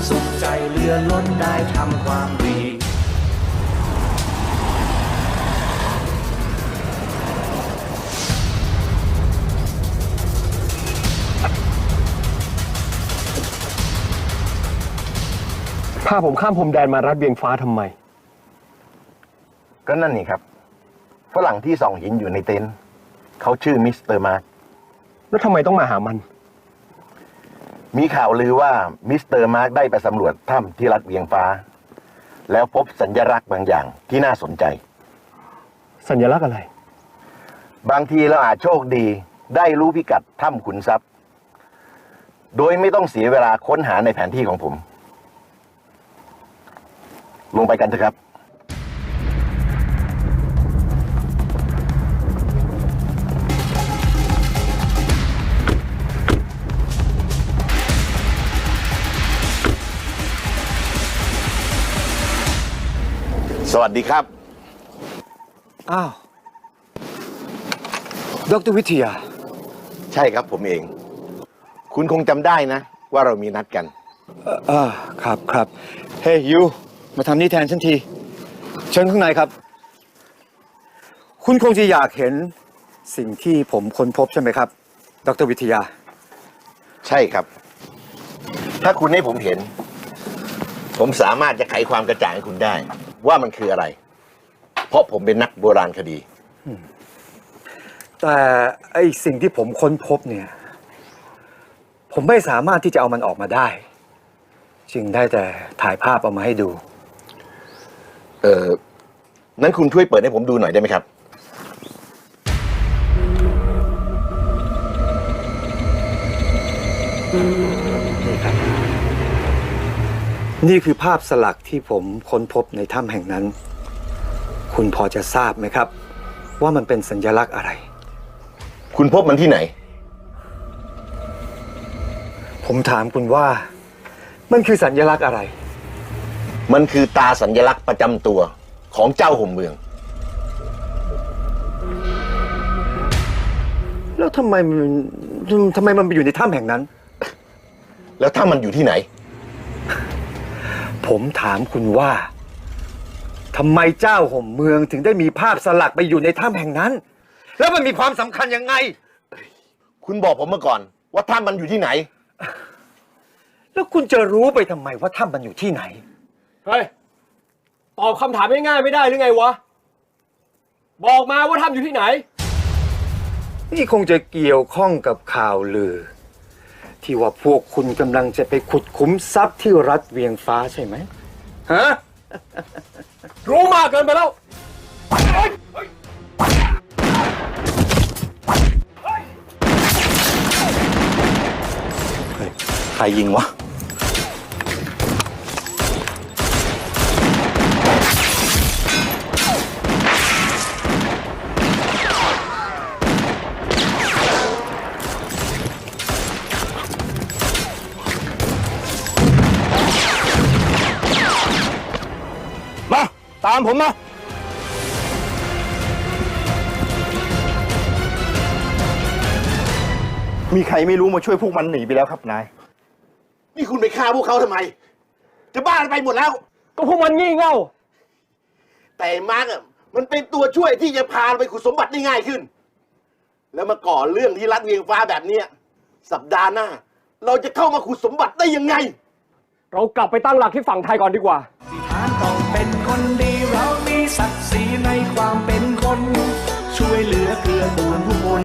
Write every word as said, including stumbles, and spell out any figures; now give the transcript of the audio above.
สุขใจเลื่อนล้นได้ทำความดีพาผมข้ามพรมแดนมารัดเวียงฟ้าทำไมก็นั่นนี่ครับฝรั่งที่ส่องหินอยู่ในเต็นท์เขาชื่อมิสเตอร์มาร์คแล้วทำไมต้องมาหามันมีข่าวลือว่ามิสเตอร์มาร์คได้ไปสำรวจถ้ำที่รัดเวียงฟ้าแล้วพบสัญลักษณ์บางอย่างที่น่าสนใจสัญลักษณ์อะไรบางทีเราอาจโชคดีได้รู้พิกัดถ้ำขุนทรัพย์โดยไม่ต้องเสียเวลาค้นหาในแผนที่ของผมลงไปกันเถอะครับสวัสดีครับอ้าวดร.วิทยาใช่ครับผมเองคุณคงจำได้นะว่าเรามีนัดกันเออครับครับเฮ้ยยูมาทำนี่แทนฉันทีเชิญข้างในครับคุณคงจะอยากเห็นสิ่งที่ผมค้นพบใช่ไหมครับดร.วิทยาใช่ครับถ้าคุณให้ผมเห็นผมสามารถจะไขความกระจ่างให้คุณได้ว่ามันคืออะไร เพราะผมเป็นนักโบราณคดีแต่ไอสิ่งที่ผมค้นพบเนี่ยผมไม่สามารถที่จะเอามันออกมาได้จึงได้แต่ถ่ายภาพเอามาให้ดูเออนั้นคุณช่วยเปิดให้ผมดูหน่อยได้ไหมครับนี่ครับนี่คือภาพสลักที่ผมค้นพบในถ้ำแห่งนั้นคุณพอจะทราบไหมครับว่ามันเป็นสัญลักษณ์อะไรคุณพบมันที่ไหนผมถามคุณว่ามันคือสัญลักษณ์อะไรมันคือตาสัญลักษณ์ประจำตัวของเจ้าห่มเมืองแล้วทำไมมันทำไมมันไปอยู่ในถ้ำแห่งนั้นแล้วถ้ามันอยู่ที่ไหนผมถามคุณว่าทำไมเจ้าห่มเมืองถึงได้มีภาพสลักไปอยู่ในถ้ำแห่งนั้นแล้วมันมีความสำคัญยังไงคุณบอกผมมาก่อนว่าถ้ำมันอยู่ที่ไหนแล้วคุณจะรู้ไปทำไมว่าถ้ำมันอยู่ที่ไหนเฮ้ยตอบคำถามง่ายๆไม่ได้หรือไงวะบอกมาว่าถ้ำอยู่ที่ไหนนี่คงจะเกี่ยวข้องกับข่าวลือที่ว่าพวกคุณกำลังจะไปขุดขุมทรัพย์ที่รัฐเวียงฟ้าใช่ไหมฮะรู้มากเกินไปแล้วใครยิงวะมาตามผมมามีใครไม่รู้มาช่วยพวกมันหนีไปแล้วครับนายนี่คุณไปฆ่าพวกเขาทำไมจะบ้าไปหมดแล้วก็พวกมันงี่เง่าแต่มาร์กอ่ะมันเป็นตัวช่วยที่จะพาไปขุดสมบัติได้ง่ายขึ้นแล้วมาก่อเรื่องที่รัดเวียงฟ้าแบบนี้สัปดาห์หน้าเราจะเข้ามาขุดสมบัติได้ยังไงเรากลับไปตั้งหลักที่ฝั่งไทยก่อนดีกว่าที่ฐานต้องเป็นคนดีเรามีศักดิ์ศรีในความเป็นคนช่วยเหลือเกื้อกูลผู้คน